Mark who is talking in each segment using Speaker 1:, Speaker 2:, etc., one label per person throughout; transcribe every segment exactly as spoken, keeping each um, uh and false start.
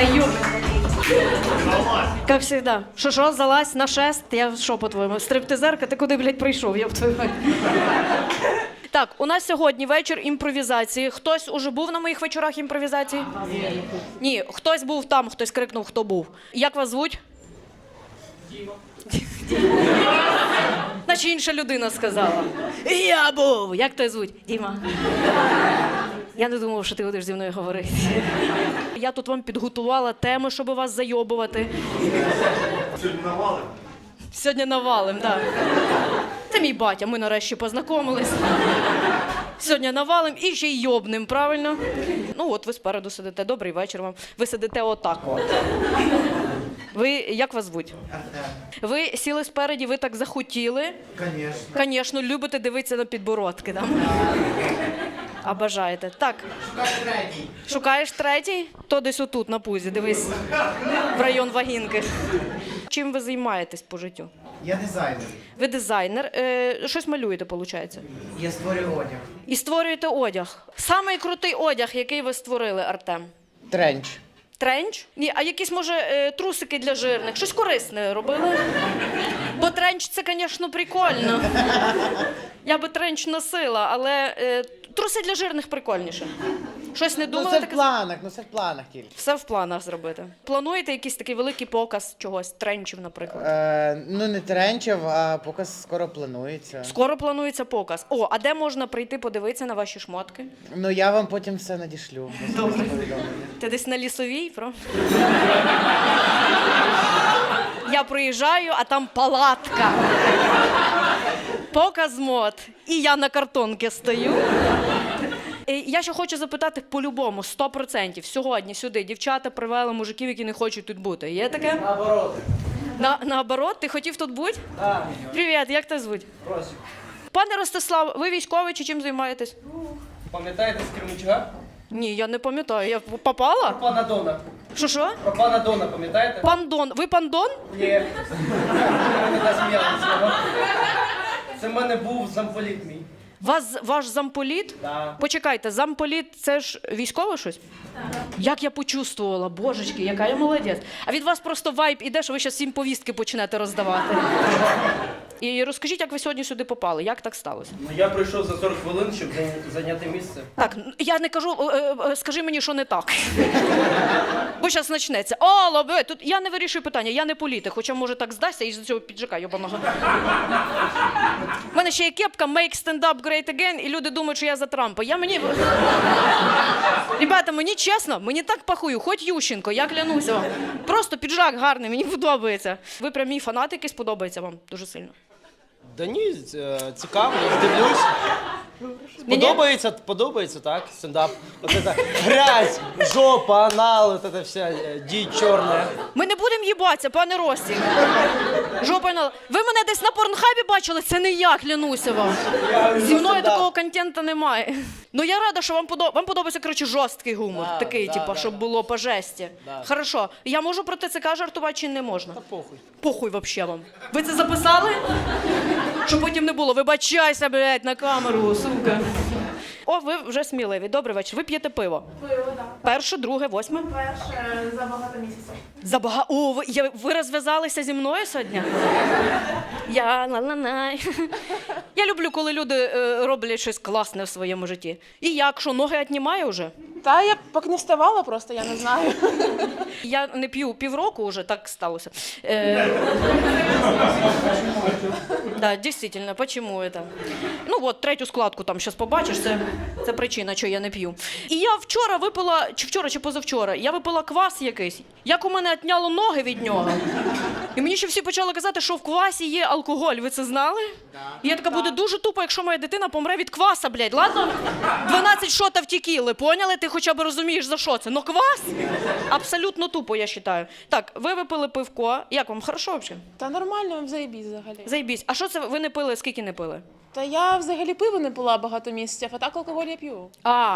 Speaker 1: Та ёбаный. Как всегда. Що-що, залазь на шест? Я що, по-твоєму, стриптизерка? Ти куди, блядь, прийшов? Я б твою мать. Так, у нас сьогодні вечір імпровізації. Хтось уже був на моїх вечорах імпровізації? Ні. Ні, хтось був там, хтось крикнув, хто був. Як вас звуть? Діма. Наче інша людина сказала. Я був. Як тебе звуть? Діма. Я не думав, що ти будеш зі мною говорити. Я тут вам підготувала теми, щоб вас зайобувати.
Speaker 2: Сьогодні навалим?
Speaker 1: Сьогодні навалим, так. Це мій батя, ми нарешті познайомились. Сьогодні навалим і ще й йобним, правильно? Ну от ви спереду сидите, добрий вечір вам. Ви сидите отак от. Ви, як вас звуть?
Speaker 2: Артем.
Speaker 1: Ви сіли спереді, ви так захотіли?
Speaker 2: Конечно.
Speaker 1: Звісно, любите дивитися на підбородки, так? А бажаєте. Так.
Speaker 2: Шукай третій.
Speaker 1: Шукаєш третій? То десь отут, на пузі, дивись. В район вагінки. Чим ви займаєтесь по життю?
Speaker 2: Я дизайнер.
Speaker 1: Ви дизайнер. Е, щось малюєте, виходить?
Speaker 2: Я створюю одяг.
Speaker 1: І створюєте одяг. Самий крутий одяг, який ви створили, Артем?
Speaker 2: Тренч.
Speaker 1: Тренч? Ні, а якісь, може, е, трусики для жирних? Щось корисне робили? Бо тренч – це, звісно, прикольно. Я би тренч носила, але е, труси для жирних прикольніше. Щось не
Speaker 3: Ну
Speaker 1: думали
Speaker 3: це в
Speaker 1: таке?
Speaker 3: планах, ну це в планах тільки.
Speaker 1: Все в планах зробити. Плануєте якийсь такий великий показ чогось, тренчів, наприклад?
Speaker 3: Е, ну не тренчів, а показ скоро планується.
Speaker 1: Скоро планується показ. О, а де можна прийти подивитися на ваші шмотки?
Speaker 3: Ну я вам потім все надішлю.
Speaker 1: Добре. Ти десь на Лісовій, про? Я приїжджаю, а там палатка. Показ мод. І я на картонці стою. І я ще хочу запитати по-любому, сто процентів. Сьогодні сюди дівчата привели мужиків, які не хочуть тут бути. Є таке?
Speaker 4: Наоборот.
Speaker 1: На, наоборот? Ти хотів тут бути?
Speaker 4: Так.
Speaker 1: Привіт, як тебе звуть?
Speaker 4: Просить.
Speaker 1: Пане Ростислав, ви військовий чи чим займаєтесь?
Speaker 4: Пам'ятаєте з Кременчуга?
Speaker 1: Ні, я не пам'ятаю. Я попала?
Speaker 4: Про пана Дона.
Speaker 1: Що що?
Speaker 4: Про пана Дона, пам'ятаєте?
Speaker 1: Пан Дон. Ви пан Дон?
Speaker 4: Ні. Ми не засміялися. Це в мене був замполіт мій.
Speaker 1: Вас, ваш замполіт?
Speaker 4: Да.
Speaker 1: Почекайте, замполіт – це ж військове щось? Так. Як я почувствувала, божечки, яка я молодець. А від вас просто вайб іде, що ви зараз всім повістки почнете роздавати. І розкажіть, як ви сьогодні сюди попали, як так сталося?
Speaker 4: Ну я прийшов за сорок хвилин, щоб зайня- зайняти місце.
Speaker 1: Так, я не кажу, е, е, скажи мені, що не так. Бо зараз почнеться. О, лобе, тут я не вирішую питання, я не політик, хоча може так здасться із цього піджака йобаного. У мене ще є кепка «Make stand-up great again», і люди думають, що я за Трампа. Я мені... Ребята, мені чесно, мені так пахую, хоч Ющенко, я клянуся вам. Просто піджак гарний, мені подобається. Ви прям мій фанат якийсь, подобається вам дуже сильно.
Speaker 5: Да ні, е, цікаво, я дивлюсь. Подобається, подобається, так, стендап. От це грязь, жопа, анал, от це вся е, дичь чорна.
Speaker 1: Ми не будемо їбатися, пане Рості. Жопа на... Ви мене десь на порнхабі бачили? Це не я, клянуся вам. Зі мною такого контенту немає. Ну я рада, що вам подобається. Вам подобається, коротше, жорсткий гумор.
Speaker 5: Да,
Speaker 1: такий,
Speaker 5: да,
Speaker 1: типу,
Speaker 5: да,
Speaker 1: щоб
Speaker 5: да.
Speaker 1: було по жесті.
Speaker 5: Да.
Speaker 1: Хорошо. Я можу про ТЦК жартувати чи не можна?
Speaker 5: Та похуй.
Speaker 1: Похуй вообще вам. Ви це записали? Щоб потім не було. Вибачайся, блядь, на камеру, сука. О, ви вже сміливі. Добрий вечір. Ви п'єте пиво?
Speaker 6: Пиво, так.
Speaker 1: Перше, друге, восьме?
Speaker 6: Перше за багато місяців.
Speaker 1: Забага... О, ви, я, ви розв'язалися зі мною сьогодні? Я ла-ла-най. Я люблю, коли люди е, роблять щось класне в своєму житті. І як, що, ноги віднімає вже?
Speaker 6: Та я поки не вставала просто, я не знаю.
Speaker 1: Я не п'ю півроку вже, так сталося. Е... Да, дійсно, почему это? Ну от, третю складку там зараз побачиш, це, це причина, що я не п'ю. І я вчора випила, чи вчора, чи позавчора, я випила квас якийсь, як у мене отняло ноги від нього. І мені ще всі почали казати, що в квасі є алкоголь, ви це знали? І я така, буде дуже тупо, якщо моя дитина помре від кваса, блядь, ладно? дванадцять шотів текіли, поняли? Ти хоча б розумієш, за що це? Но квас? Абсолютно тупо, я вважаю. Так, ви випили пивко, як вам, хорошо взагалі?
Speaker 6: Та нормально, заєбісь взагалі.
Speaker 1: Заєбісь. А що це ви не пили, скільки не пили?
Speaker 6: Та я взагалі пиво не пила багато місяців, а так алкоголь я п'ю.
Speaker 1: А.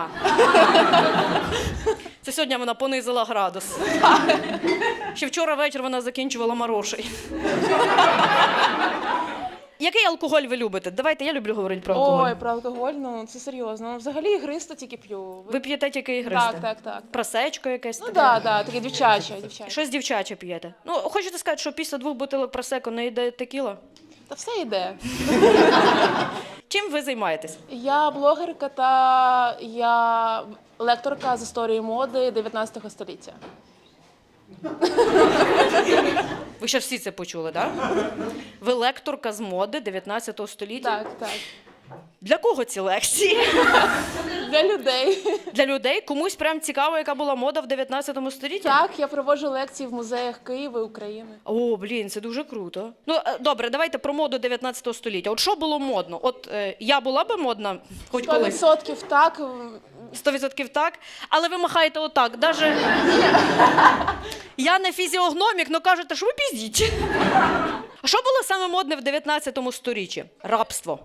Speaker 1: Це сьогодні вона понизила градус. Ще вчора вечір вона закінчувала марошей. Який алкоголь ви любите? Давайте, я люблю говорити про алкоголь.
Speaker 6: Ой, про алкоголь, ну це серйозно. Взагалі ігристо тільки п'ю.
Speaker 1: Ви п'єте тільки ігристе?
Speaker 6: Так, так, так.
Speaker 1: Просечко якесь?
Speaker 6: Ну
Speaker 1: таке?
Speaker 6: так, да, так, таке дівчаче, дівчаче.
Speaker 1: Щось дівчаче п'єте. Ну, хочете сказати, що після двох бутилок просеко не йде текіла?
Speaker 6: Та все йде.
Speaker 1: Чим ви займаєтесь?
Speaker 6: Я блогерка та я лекторка з історії моди дев'ятнадцятого століття.
Speaker 1: Ви ще всі це почули, так? Да? Ви лекторка з моди дев'ятнадцятого століття?
Speaker 6: Так, так.
Speaker 1: Для кого ці лекції?
Speaker 6: Для людей.
Speaker 1: Для людей? Комусь прям цікаво, яка була мода в дев'ятнадцятому столітті?
Speaker 6: Так, я проводжу лекції в музеях Києва і України.
Speaker 1: О, блін, це дуже круто. Ну, е, добре, давайте про моду дев'ятнадцятого століття. От що було модно? От е, я була би модна хоч
Speaker 6: Сто
Speaker 1: колись?
Speaker 6: відсотків так.
Speaker 1: Сто відсотків так, але ви махаєте отак. Даже... Я не фізіогномік, але кажете, що ви піздіть. А що було саме модне в дев'ятнадцятому сторіччі? Рабство.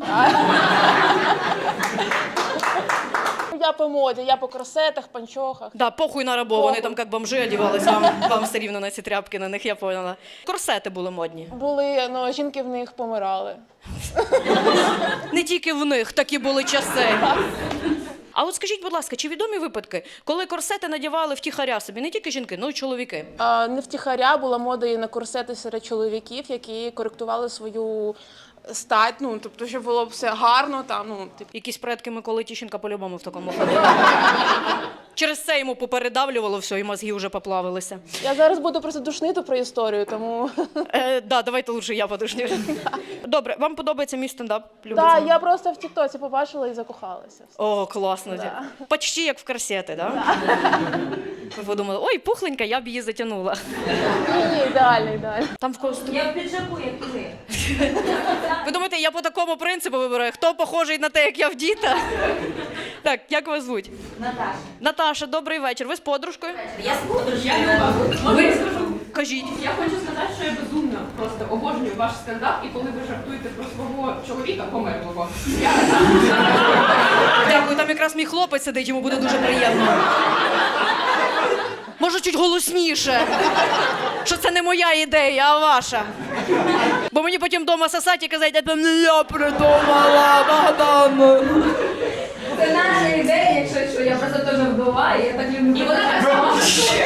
Speaker 6: Я по моді, я по корсетах, панчохах.
Speaker 1: Да, похуй на рабов, вони там як бомжи одівались, вам, вам все рівно на ці тряпки на них, я поняла. Корсети були модні.
Speaker 6: Були, ну, жінки в них помирали.
Speaker 1: Не тільки в них такі були часи. А от скажіть, будь ласка, чи відомі випадки, коли корсети надівали втіхаря собі, не тільки жінки, але й чоловіки?
Speaker 6: А, не втіхаря була мода і на корсети серед чоловіків, які коректували свою стать, ну, тобто, щоб було все гарно, там, ну, типу.
Speaker 1: Якісь предки Миколи Тищенка по-любому в такому ходили. Через це йому попередавлювало все, і мозги вже поплавилися.
Speaker 6: Я зараз буду просто душнити про історію, тому...
Speaker 1: Е, да, давайте лучше я подушню. Добре, вам подобається мій стендап? Любите?
Speaker 6: Так, я просто в тіктоці побачила і закохалася.
Speaker 1: О, класно.
Speaker 6: Да.
Speaker 1: Почти як в корсети, да? Ви подумали, ой, пухленька, я б її затягнула.
Speaker 6: Ні, ні, ідеально, ідеально.
Speaker 1: Там в когось...
Speaker 7: Я в піджаку, як і ви.
Speaker 1: Ви думаєте, я по такому принципу вибираю, хто похожий на те, як я в діта? Так, як вас звуть?
Speaker 7: Наташа.
Speaker 1: Наташа, добрий вечір. Ви з подружкою?
Speaker 7: Я з подружкою.
Speaker 8: Можна я скажу?
Speaker 1: Кажіть.
Speaker 8: Я хочу сказати, що я безумно просто обожнюю ваш стендап, і коли ви жартуєте про свого чоловіка померлого. Я
Speaker 1: Дякую, там якраз мій хлопець сидить, йому буде дуже приємно. Може, чуть голосніше. Що це не моя ідея, а ваша. Бо мені потім вдома сосать і казати, це не я придумала, мадам.
Speaker 7: Це наша ідея, якщо що, я просто теж вдова, і я так люблю. І вона так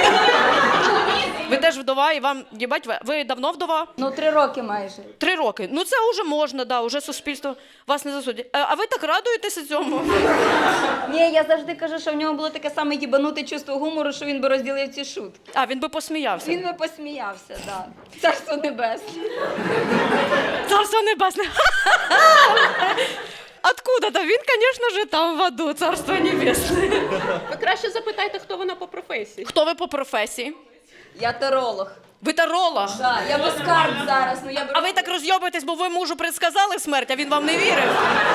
Speaker 1: Ви теж вдова, і вам, їбать, ви, ви давно вдова?
Speaker 7: Ну, три роки майже.
Speaker 1: Три роки. Ну це вже можна, да, вже суспільство вас не засудить. А, а ви так радуєтеся цьому?
Speaker 7: Ні, я завжди кажу, що в нього було таке саме їбануте чувство гумору, що він би розділив ці шутки.
Speaker 1: А, він би посміявся.
Speaker 7: Він би посміявся, так. Да. Царство небесне.
Speaker 1: Царство небесне. Откуда-то? Він, звісно ж, там в аду, царство небесне.
Speaker 8: Ви краще запитайте, хто вона по професії.
Speaker 1: Хто ви по професії?
Speaker 7: Я таролог.
Speaker 1: Ви таролог?
Speaker 7: Да, я без карт зараз, ну я беру...
Speaker 1: А ви так розйобуєтесь, бо ви мужу предсказали смерть, а він вам не вірив?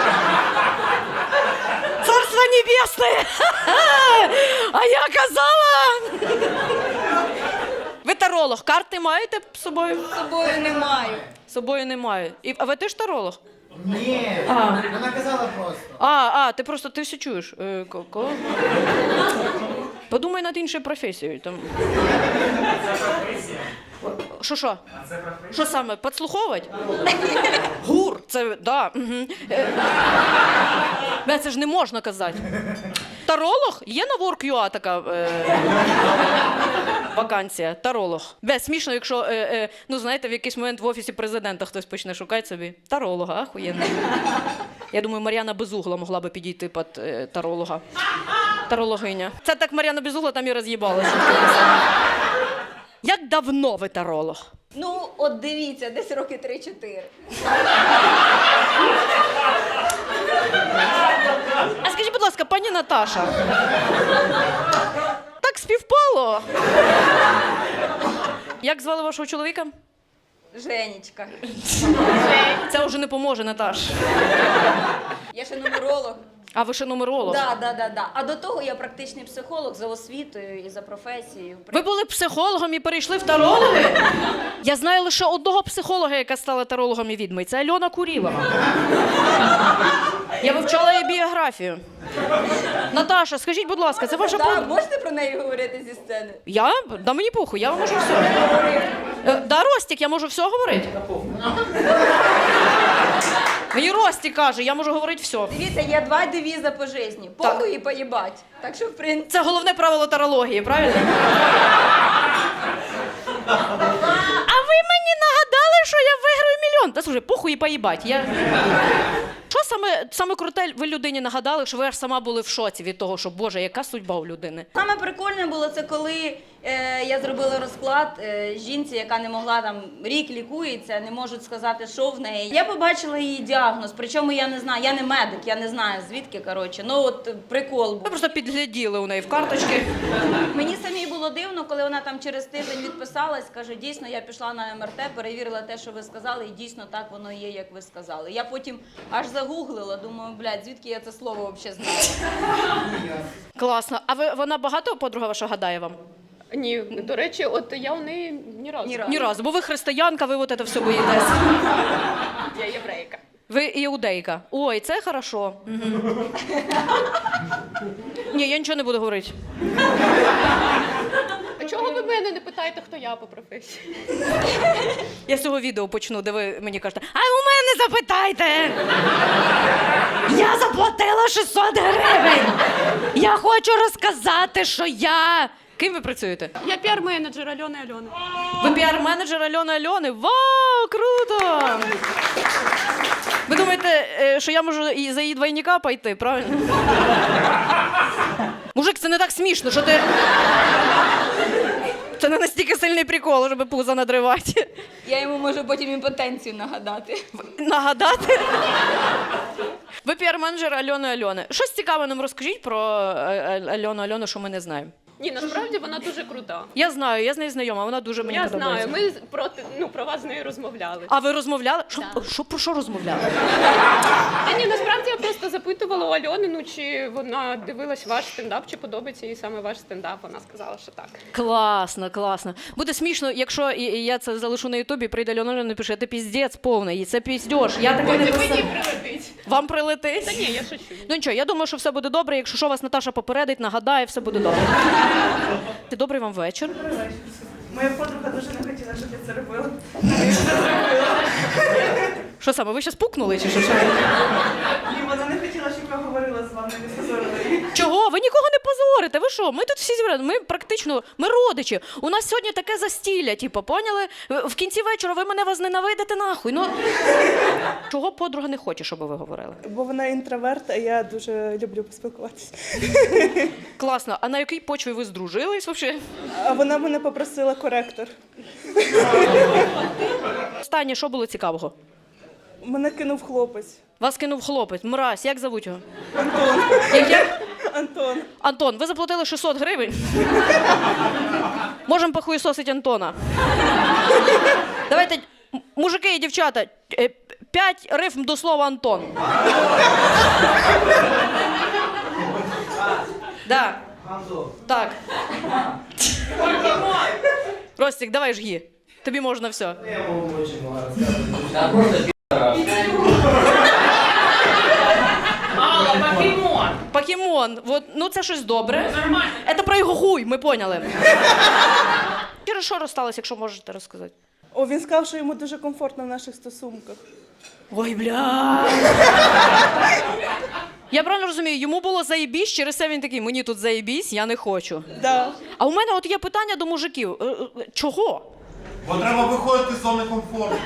Speaker 1: Царство небесне! А я казала! Ви таролог, карти маєте з собою?
Speaker 7: З собою не маю.
Speaker 1: З собою немає. І, а ви теж таролог?
Speaker 2: Ні,
Speaker 1: А.
Speaker 2: вона казала просто.
Speaker 1: А, а, ти просто, ти все чуєш. Е, ко- ко? Подумай над іншою професією. Там. Що, що? Що саме, підслуховувати? Гур, це, да. Угу. Бе, це ж не можна казати. Таролог? Є на WorkUA така е, вакансія, таролог. Бе, смішно, якщо, е, е, ну знаєте, в якийсь момент в Офісі Президента хтось почне шукати собі таролога, ахуєнно. Я думаю, Мар'яна Безугла могла би підійти під е, таролога. Тарологиня. Це так Мар'яна Безугла там і роз'їбалася. Як давно ви таролог?
Speaker 7: Ну, от дивіться, десь роки три-чотири.
Speaker 1: А скажіть, будь ласка, пані Наташа. Так співпало. Як звали вашого чоловіка?
Speaker 7: Женечка.
Speaker 1: Це вже не поможе, Наташ.
Speaker 7: Я ще нумеролог.
Speaker 1: А ви ще нумеролог?
Speaker 7: Да, да, да, да. А до того я практичний психолог за освітою і за професією.
Speaker 1: Ви були психологом і перейшли в тарологи? Я знаю лише одного психолога, яка стала тарологом і відьмою. Це Альона Курілова. Я вивчала її біографію. Наташа, скажіть, будь ласка, це ваша
Speaker 7: Да,
Speaker 1: подруга?
Speaker 7: можете про неї говорити зі сцени?
Speaker 1: Я? Да мені похуй, я можу все. Е, Да, Ростік, я можу все говорити? Мені Рості каже, я можу говорити все.
Speaker 7: Дивіться, є два девіза по житті. Похуй і поїбать. Так що, в принципі...
Speaker 1: Це головне правило тарології, правильно? А ви мені нагадали, що я виграю мільйон. Та слухай, похуй і поїбать. Я... Що саме, саме круте ви людині нагадали, що ви аж сама були в шоці від того, що, Боже, яка судьба у людини?
Speaker 7: Саме прикольне було це, коли е, я зробила розклад е, жінці, яка не могла там рік лікується, не можуть сказати, що в неї. Я побачила її діагноз, причому я не знаю, я не медик, я не знаю звідки, коротше. Ну от е, прикол
Speaker 1: Ви
Speaker 7: був.
Speaker 1: просто підгляділи у неї в карточки.
Speaker 7: Мені самій було дивно, коли вона там через тиждень відписалась, каже, дійсно, я пішла на ем ер те, перевірила те, що ви сказали, і дійсно так воно є, як ви сказали. Я потім аж загуглила, думаю, блядь, звідки я це слово взагалі знаю.
Speaker 1: Класно. А ви, вона багато подруга ваша гадає вам?
Speaker 8: Ні, до речі, от я у неї ні разу.
Speaker 7: Ні разу.
Speaker 1: Ні разу, бо ви християнка, ви от це все боїтесь.
Speaker 8: Я єврейка.
Speaker 1: Ви іудейка. Ой, це хорошо. Угу. Ні, я нічого не буду говорити.
Speaker 8: А чого ви мене не питаєте, хто я по професії?
Speaker 1: Я з цього відео почну, де ви мені кажете, а у мене запитайте! Я заплатила шістсот гривень! Я хочу розказати, що я... Ким ви працюєте?
Speaker 8: Я піар-менеджер Альони Альони.
Speaker 1: Ви піар-менеджер Альони Альони? Вау, круто! Ви думаєте, е, що я можу і за її двойника пойти, правильно? Мужик, це не так смішно, що ти... Це не настільки сильний прикол, щоб пузо надривати.
Speaker 7: Я йому можу потім імпотенцію нагадати.
Speaker 1: Нагадати? Ви піар-менеджер Альони Альони. Щось цікаве нам розкажіть про е, е, Альону Альону, що ми не знаємо.
Speaker 8: Ні, насправді вона дуже крута.
Speaker 1: Я знаю, я з нею знайома, вона дуже мені
Speaker 8: Я
Speaker 1: подобається.
Speaker 8: знаю, ми з- проти, ну, про вас з нею розмовляли.
Speaker 1: А ви розмовляли? Що, що, про що розмовляли?
Speaker 8: Та ні, насправді я просто запитувала у Альони, ну чи вона дивилась ваш стендап, чи подобається їй саме ваш стендап. Вона сказала, що так.
Speaker 1: Класно, класно. Буде смішно, якщо і- і я це залишу на Ютубі, прийде Альона Альона і напише, ти піздець повний, і це піздєш. Я таке не
Speaker 8: Мені
Speaker 1: писала.
Speaker 8: прилетить.
Speaker 1: Вам прилетить?
Speaker 8: Та ні, я шучу.
Speaker 1: Ну нічого, я думаю, що все буде добре. Якщо що, вас Наташа попередить, нагадає, все буде добре. Добрий вам вечір.
Speaker 9: Моя подруга дуже не хотіла, щоб я це робила.
Speaker 1: Що саме, ви щас пукнули чи що? Що?
Speaker 9: Ні, вона не хотіла, щоб я говорила з вами, не позорила її.
Speaker 1: Чого? Ви нікого не позорите. Ви що? Ми тут всі зібрані. Ми практично, ми родичі. У нас сьогодні таке застілля, типу, поняли? В кінці вечора ви мене возненавидите нахуй. Ну, чого подруга не хоче, щоб ви говорили?
Speaker 9: Бо вона інтроверт, а я дуже люблю поспілкуватися.
Speaker 1: Класно. А на якій почві ви здружились взагалі?
Speaker 9: А вона мене попросила коректор.
Speaker 1: Останнє, що було цікавого?
Speaker 9: Мене кинув хлопець.
Speaker 1: Вас кинув хлопець, мразь, як зовуть його?
Speaker 9: Антон.
Speaker 1: Як, як?
Speaker 9: Антон.
Speaker 1: Антон, ви заплатили шістсот гривень? Можемо похуєсосити Антона. Давайте, м- мужики і дівчата, е, п'ять рифм до слова Антон. Да. Так. Ростик, давай жги. Тобі можна все. Покемон. Вот, ну це щось добре. Нормально. Це про його хуй, ми поняли. Через що розсталось, якщо можете розказати?
Speaker 9: О, він сказав, що йому дуже комфортно в наших стосунках.
Speaker 1: Ой, бля. Я правильно розумію, йому було заєбісь, через це він такий, мені тут заєбісь, я не хочу.
Speaker 9: Да.
Speaker 1: А у мене от є питання до мужиків. Е, е, Чого?
Speaker 10: Бо треба виходити з зони комфорту.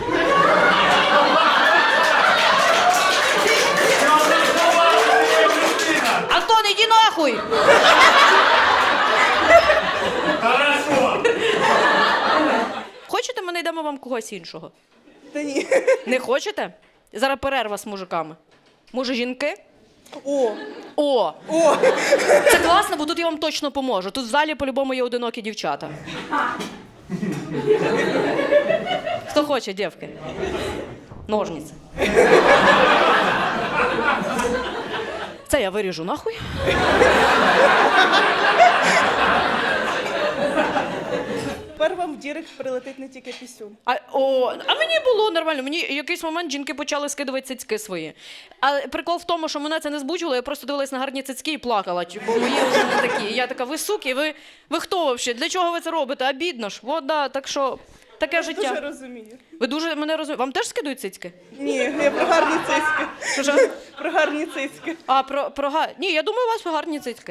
Speaker 1: Антон, іди нахуй!
Speaker 10: Хорошо.
Speaker 1: Хочете, ми знайдемо вам когось іншого?
Speaker 9: Та ні.
Speaker 1: Не хочете? Зараз перерва з мужиками. Може, жінки?
Speaker 9: О,
Speaker 1: О!
Speaker 9: о.
Speaker 1: Це класно, бо тут я вам точно поможу. Тут в залі по-любому є одинокі дівчата. Хто хоче, дівки? Ножниці. Це я виріжу нахуй.
Speaker 9: Тепер вам в дірект прилетить не тільки пісюн.
Speaker 1: А, о, а мені було нормально. Мені в якийсь момент жінки почали скидувати цицьки свої. А прикол в тому, що мене це не збуджувало, я просто дивилась на гарні цицьки і плакала, бо мої вже не такі. І я така, ви суки, ви, ви хто взагалі? Для чого ви це робите? Обідно ж. От, да, так що Таке
Speaker 9: Дуже
Speaker 1: життя.
Speaker 9: розумію.
Speaker 1: Ви дуже мене розумієте. Вам теж скидують цицьки?
Speaker 9: Ні, я про гарні цицьки.
Speaker 1: Що ж?
Speaker 9: Про гарні цицьки.
Speaker 1: А, про, про га... Ні, я думаю, у вас гарні цицьки.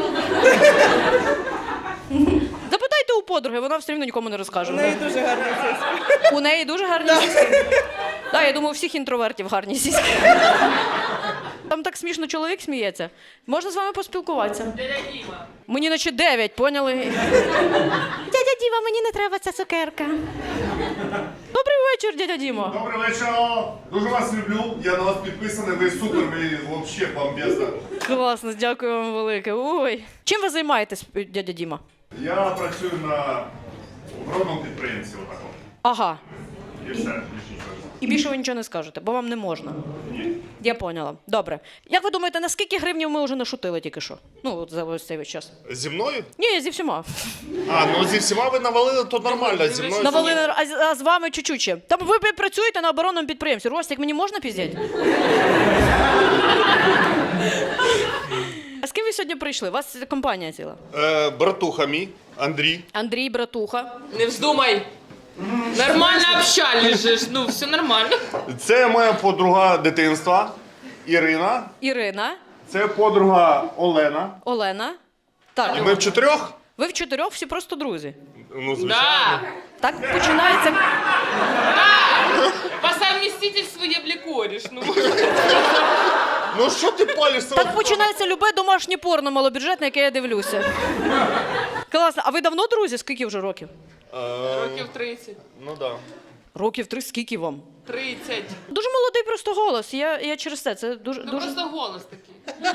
Speaker 1: Запитайте у подруги, вона все одно нікому не розкаже.
Speaker 9: У неї дуже гарні цицьки.
Speaker 1: У неї дуже гарні сіськи. Так, я думаю, у всіх інтровертів гарні сіськи. Там так смішно чоловік сміється. Можна з вами поспілкуватися? Дядя Діма. Мені наче дев'ять, поняли? Дядя Діма, мені не треба ця цукерка. Добрий вечір, дядя Діма.
Speaker 10: Добрий вечір. Дуже вас люблю. Я на вас підписаний. Ви супер, ви взагалі бомбезна.
Speaker 1: Класно, дякую вам велике. Ой. Чим ви займаєтесь, дядя Діма?
Speaker 10: Я працюю на оборонному підприємстві. Отако.
Speaker 1: Ага.
Speaker 10: І все, більше нічого.
Speaker 1: І більше ви нічого не скажете, бо вам не можна.
Speaker 10: Ні.
Speaker 1: Я поняла. Добре. Як ви думаєте, на скільки гривнів ми вже нашутили тільки що? Ну, от за ось цей весь час.
Speaker 10: Зі мною?
Speaker 1: Ні, зі всіма.
Speaker 10: А, ну зі всіма ви навалили, то нормально. Зі мною...
Speaker 1: Навалили, а, з- а з вами чуть-чуть ще. Там ви пі- працюєте на оборонному підприємстві. Ростик, мені можна піздять? А з ким ви сьогодні прийшли? У вас компанія ціла.
Speaker 10: Е, братуха мій, Андрій.
Speaker 1: Андрій, братуха.
Speaker 11: Не вздумай. Нормально общались же, ж, ну все нормально.
Speaker 10: Це моя подруга дитинства Ірина.
Speaker 1: Ірина,
Speaker 10: Це подруга Олена.
Speaker 1: Олена. Так,
Speaker 10: І ми в чотирьох?
Speaker 1: ви в чотирьох всі просто друзі.
Speaker 10: Ну, звичайно.
Speaker 11: Да.
Speaker 1: Так починається.
Speaker 11: По совместительству я блікориш. Ну.
Speaker 10: Ну що ти палишся?
Speaker 1: Так починається любе домашнє порно малобюджетне, яке я дивлюся. Класно. А ви давно друзі? Скільки вже років?
Speaker 11: Років тридцять.
Speaker 10: Ну да.
Speaker 1: Років три, скільки вам?
Speaker 11: тридцять.
Speaker 1: Дуже молодий просто голос. Я, я через це. Це дуже.
Speaker 11: Ну
Speaker 1: дуже...
Speaker 11: просто голос такий.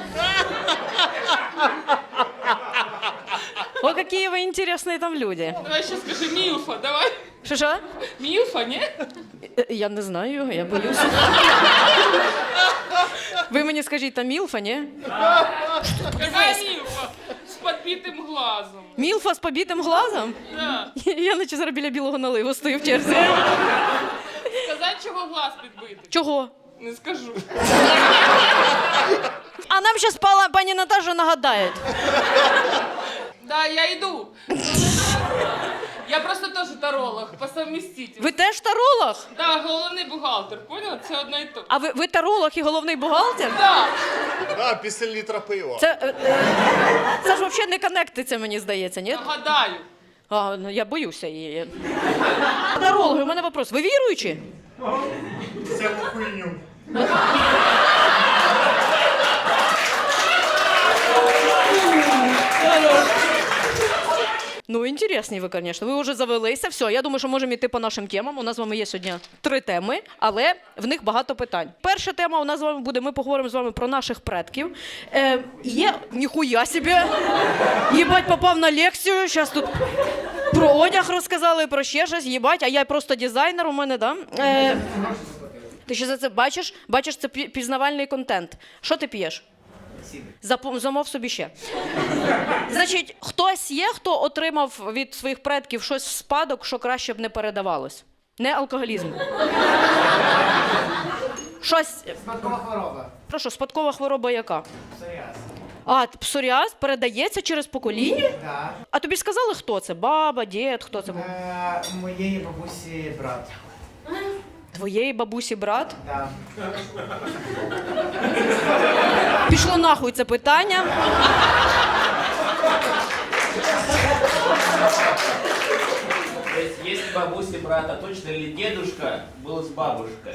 Speaker 1: О, які ви інтересні там люди.
Speaker 11: Давай ще скажи Мілфа, давай.
Speaker 1: Що що?
Speaker 11: Мілфа, ні?
Speaker 1: Е, Я не знаю, я боюся. Ви мені скажіть, там Мілфа, ні?
Speaker 11: Яка Мілфа? З підбитим глазом.
Speaker 1: Мілфа з побитим глазом?
Speaker 11: Да.
Speaker 1: Я наче зараз біля білого наливу стою в черзі.
Speaker 11: Сказати, чого глаз підбитий?
Speaker 1: Чого?
Speaker 11: Не скажу.
Speaker 1: А нам зараз пані Наташа нагадає.
Speaker 11: Да, я йду. Я просто теж таролог, по совместительству.
Speaker 1: Ви теж таролог?
Speaker 11: Да, головний бухгалтер, поняла? Це одно і то.
Speaker 1: А ви, ви таролог і головний бухгалтер?
Speaker 11: Да.
Speaker 10: Да, після літра пива.
Speaker 1: Це, е, е, це ж взагалі не коннектиться, мені здається, ні?
Speaker 11: Нагадаю.
Speaker 1: А, ну, я боюся її. Тарологи, у мене вопрос. Ви віруючі?
Speaker 10: Всяку хуйню.
Speaker 1: Ну, інтересні ви, звісно. Ви вже завелися. Все, я думаю, що можемо йти по нашим темам. У нас з вами є сьогодні три теми, але в них багато питань. Перша тема у нас з вами буде, ми поговоримо з вами про наших предків. Е, є, ніхуя собі, їбать, попав на лекцію, зараз тут про одяг розказали, про ще щось, їбать, а я просто дизайнер у мене, да? Е, ти ще за це бачиш? Бачиш, це пі- пізнавальний контент. Що ти п'єш? Запом- Замов собі ще. Значить, хтось є, хто отримав від своїх предків щось в спадок, що краще б не передавалось? Не алкоголізм. Щось.
Speaker 2: Спадкова хвороба.
Speaker 1: Прошу, спадкова хвороба яка?
Speaker 2: Псоріаз.
Speaker 1: А, псоріаз передається через покоління?
Speaker 2: Так.
Speaker 1: А тобі сказали, хто це? Баба, дід, хто це був?
Speaker 2: Е, моєї бабусі брат.
Speaker 1: Твоєї бабусі брат?
Speaker 2: Да.
Speaker 1: Пішло нахуй це питання.
Speaker 12: То есть, если бабуси брата, точно ли дедушка был с бабушкой?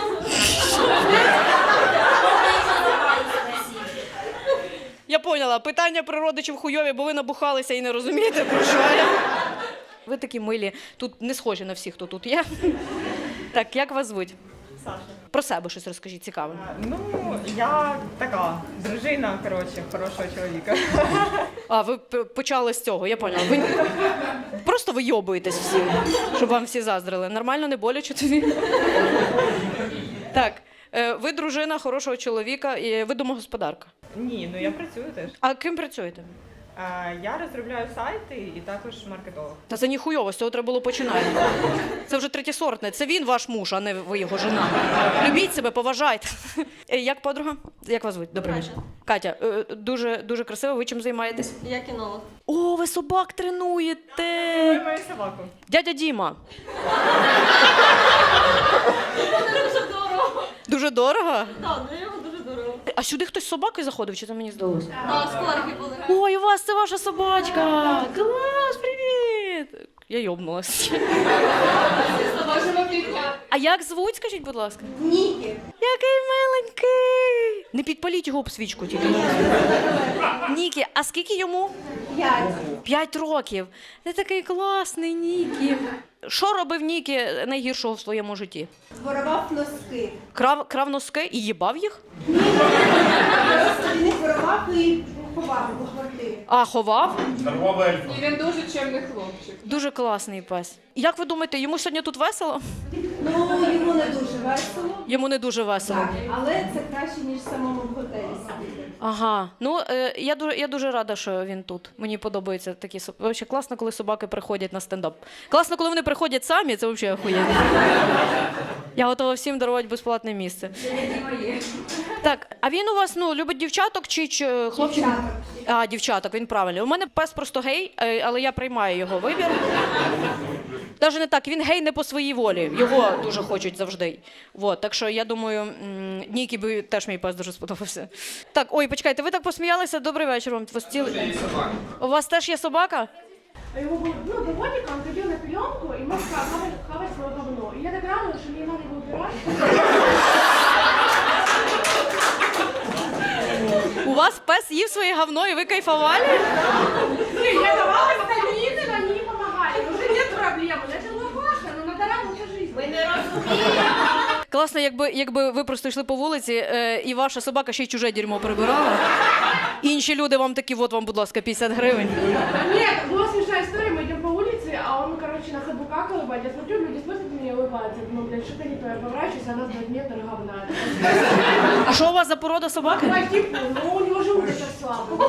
Speaker 1: Я поняла, питання про родичів хуйові, бо ви набухалися і не розумієте, про що я. Ви такі милі, тут не схожі на всіх, хто тут є. Так, як вас звуть?
Speaker 9: Саша.
Speaker 1: Про себе щось розкажіть, цікаве.
Speaker 9: Ну, я така, дружина, коротше, хорошого чоловіка.
Speaker 1: А, ви п- почали з цього, я поняла. Ви просто вийобуєтесь всі, щоб вам всі заздрили. Нормально, не боляче тобі? Так, е, ви дружина хорошого чоловіка, і ви домогосподарка.
Speaker 9: Ні, ну я працюю теж.
Speaker 1: А ким працюєте?
Speaker 9: Е, Я розробляю сайти і також маркетолог.
Speaker 1: Та це ніхуйово, з цього треба було починати. Це вже третєсортне. Це він ваш муж, а не ви його жена. Любіть себе, поважайте. Е, Як подруга? Як вас звуть? Добрий вечір. Катя, е, дуже, дуже красиво. Ви чим займаєтесь?
Speaker 7: Я кінолог.
Speaker 1: О, ви собак тренуєте.
Speaker 9: Я маю собаку.
Speaker 1: Дядя Діма.
Speaker 7: Дуже дорого.
Speaker 1: Дуже дорого?
Speaker 7: Так, для нього дуже дорого.
Speaker 1: А сюди хтось з собакою заходив, чи це мені здалося?
Speaker 7: Так, скорки були.
Speaker 1: Ой, у вас це ваша собачка! Клас, привіт! Я йобнулась. А як звуть, скажіть, будь ласка?
Speaker 7: Нікі.
Speaker 1: Який миленький! Не підпаліть його об свічку тільки. Нікі, а скільки йому?
Speaker 7: П'ять.
Speaker 1: П'ять років. Ти такий класний, Нікі. Що робив Нікі найгіршого в своєму житті?
Speaker 7: Воровав носки.
Speaker 1: Крав, крав носки і їбав їх?
Speaker 7: Просто він їх воровав і ховав у квартирі.
Speaker 1: А, ховав?
Speaker 10: Нервова ельфа.
Speaker 8: І він дуже чемний хлопчик.
Speaker 1: Дуже класний пес. Як ви думаєте, йому сьогодні тут весело?
Speaker 7: Ну, йому не дуже весело,
Speaker 1: Йому не дуже весело.
Speaker 7: але це краще, ніж в самому готелі сидіти.
Speaker 1: Ага, ну е, я дуже я дуже рада, що він тут. Мені подобаються такі собаки. Вообще класно, коли собаки приходять на стендап. Класно, коли вони приходять самі, це взагалі охуєнно. Я готова всім дарувати безплатне місце. Так, а він у вас ну любить дівчаток чи, чи хлопчик?
Speaker 7: Дівчаток.
Speaker 1: А, дівчаток, він правильний. У мене пес просто гей, е, але я приймаю його вибір. Навіть не так, він гей не по своїй волі. Його дуже хочуть завжди. Вот, так що я думаю, м, Нікі би теж мій пес дуже сподобався. Так, ой, почекайте, ви так посміялися. Добрий вечір вам. У вас, ціл... У вас теж є собака?
Speaker 13: Его было, ну, до годика он ходил на пеленку и мог хавать, хавать свое говно. И я так радовалась, что мне не надо его убирать.
Speaker 1: У вас пес їв своє говно і ви кайфували?
Speaker 13: Не, я давала витамины, они не помогали. Уже нет проблем. Это было классно, но надо радоваться жизни.
Speaker 7: Ви не розумієте.
Speaker 1: Класно, якби, якби ви просто йшли по вулиці, е, і ваша собака ще й чуже дерьмо прибирала. Інші люди вам такі, от вам, будь ласка, п'ятдесят гривень.
Speaker 13: Нет, была смешная история, мы идем по улице, а он, короче, на ходу какал, ебать. Я смотрю, люди смотрят на меня и улыбаются. Я думаю, блядь, что-то не то. Я поворачиваюсь, а она два метра говна.
Speaker 1: А що у вас за порода собаки?
Speaker 13: Ну, типа, ну, у него желудок слабый.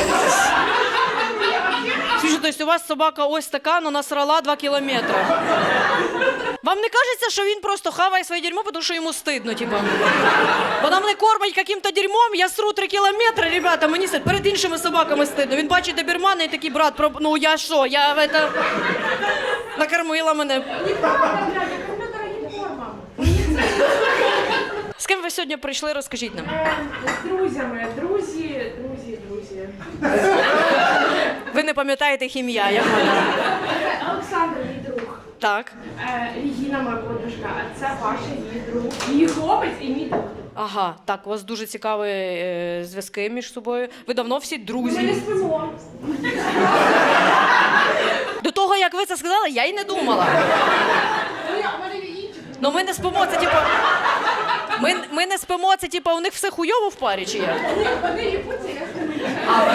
Speaker 1: Слушай, то есть у вас собака ось така, но насрала два кілометри. Вам не кажеться, що він просто хаває своє дерьмо, тому що йому стидно, типа? Вона мене кормить яким-то дерьмом, я сру три кілометри, ребята, мені стидно. Перед іншими собаками стидно. Він бачить добермана і такий, брат, про... ну я що, я в это... накормила мене.
Speaker 13: Неправда, блядь, я кормлю дорогим кормом.
Speaker 1: З ким ви сьогодні прийшли, розкажіть нам.
Speaker 13: Е, З друзями, друзі, друзі, друзі.
Speaker 1: Ви не пам'ятаєте їх ім'я, я поняла.
Speaker 13: Це Олександр, мій друг.
Speaker 1: Так.
Speaker 13: Е, Регіна, моя подружка, а це Паша, її друг. Її хлопець і мій друг.
Speaker 1: Ага, так, у вас дуже цікаві е, зв'язки між собою. Ви давно всі
Speaker 13: Ми не
Speaker 1: друзі.
Speaker 13: спимо.
Speaker 1: До того, як ви це сказали, я й не думала.
Speaker 13: Ну, я- у мене є інші.
Speaker 1: Ну ми не спимо, це типу. Ми, ми не спимо, це типу, у них все хуйово в парі, чи як?
Speaker 13: Ні, вони їбуться, я спимо.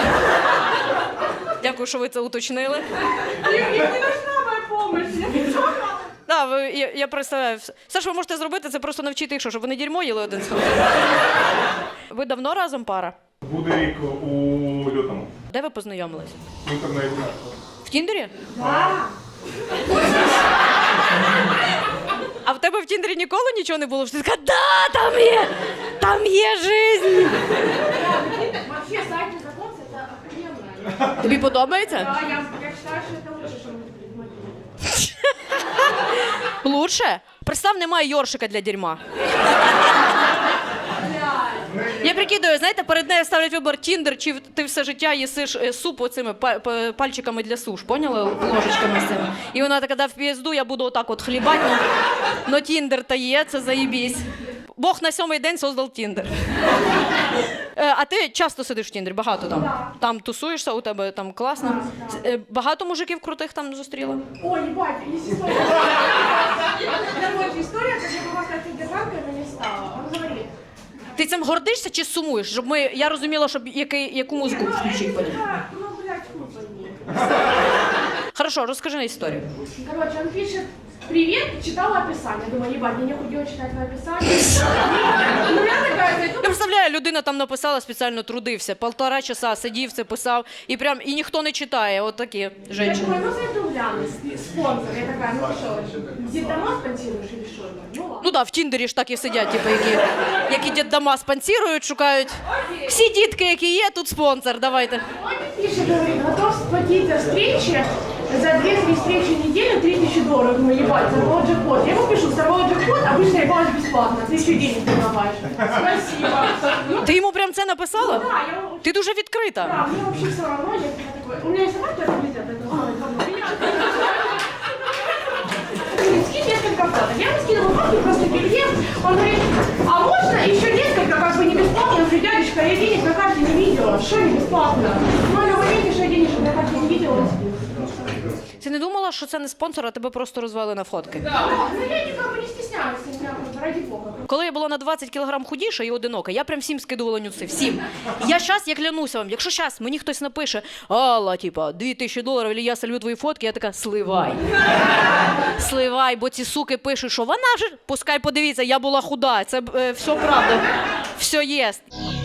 Speaker 1: Дякую, що ви це уточнили.
Speaker 13: Їм їм не нужна моя помощь. Я не знаю.
Speaker 1: Да, ви, я, я представляю. Все, що ви можете зробити, це просто навчити їх, що, щоб вони дерьмо їли один з одним. Ви давно разом пара?
Speaker 10: Буде рік у лютому.
Speaker 1: Де ви познайомились?
Speaker 10: В інтернеті.
Speaker 1: В Тіндері?
Speaker 13: Так.
Speaker 1: А в тебе в Тіндері ніколи нічого не було? Що ти така, да, там є, там є жизнь.
Speaker 13: Вообще, сайт знакомств — это охуенно.
Speaker 1: Тобі подобається?
Speaker 13: Да, я, я считаю, что это лучше, что может придумать.
Speaker 1: Лучше? Представ, немає йоршика для дерьма. Я прикидаю, знаєте, перед нею ставлять вибір Тіндер, чи ти все життя їсиш е, суп оцими па- па- пальчиками для суш, поняли? Ложечками з цими. І вона така, да в пізду, я буду отак от хлібати, но, но Тіндер та є, це заєбісь. Бог на сьомий день создав Тіндер. Е, а ти часто сидиш в Тіндері, багато там?
Speaker 13: Да.
Speaker 1: Там тусуєшся, у тебе там класно? Е, Багато мужиків крутих там зустріла?
Speaker 13: Ой, ебать, есть история. Короче, история, как я была стать содержанкой, но не стала. Он говорит,
Speaker 1: Ти цим гордишся чи сумуєш? Щоб ми, я розуміла, щоб який, яку музику включити.
Speaker 13: «Да, ну, блядь, хуй пойми».
Speaker 1: Хорошо, розкажи історію.
Speaker 13: Короче, он пишет: привет, читала описание. Думаю, ебать, мне нехуй делать читать твое описание. Ну я такая,
Speaker 1: Я представляю, людина там написала, спеціально трудився, полтора часа сидів, це писав, і прям, і ніхто не читає, от такі
Speaker 13: я
Speaker 1: жінки.
Speaker 13: думаю, ну зайду гляну, спонсор. Я такая, ну что, детдома спонсируешь или что? Ну ладно.
Speaker 1: Ну да, в Тіндері ж так і сидять, типу, які, які дітдома спонсорують, шукають. Всі дітки, які є, тут спонсор, давайте.
Speaker 13: Он мне пишет, говорит, готов сплатить за встречи, за две-три встречи в неделю три тысячи долларов. Ну ебать, сорвал джекпот. Я ему пишу, сорвал джекпот, обычно ебалась бесплатно, ты еще денег предлагаешь. Спасибо. Ну,
Speaker 1: Ти йому прям це написала?
Speaker 13: да, я...
Speaker 1: Ти дуже відкрита.
Speaker 13: Да, мне вообще все равно, я такой, у меня есть собака, это нельзя, поэтому ой, говно, меня. Говорит, скинь несколько фоток. Я ему скинула фотки, просто переезд. Он говорит, а можно еще несколько, как бы не бесплатно? Я говорю, дядечка, я денег на карте не видела, что не бесплатно? Ну, на моменте, что я денежек на карте не видела, он скинул.
Speaker 1: Ти не думала, що це не спонсор, а тебе просто розвели на фотки?
Speaker 13: Да, ну я никак бы не стесняюсь, меня, ради бога.
Speaker 1: Коли я була на двадцять кілограм худіша і одинока, я прям всім скидувала нюци, всім. Я щас, я клянуся вам, якщо щас мені хтось напише, Алла, типа, дві тисячі доларів, або я солю твої фотки, я така, сливай. Сливай, бо ці суки пишуть, що вона ж, пускай подивіться, я була худа, це е, все правда, все єсть.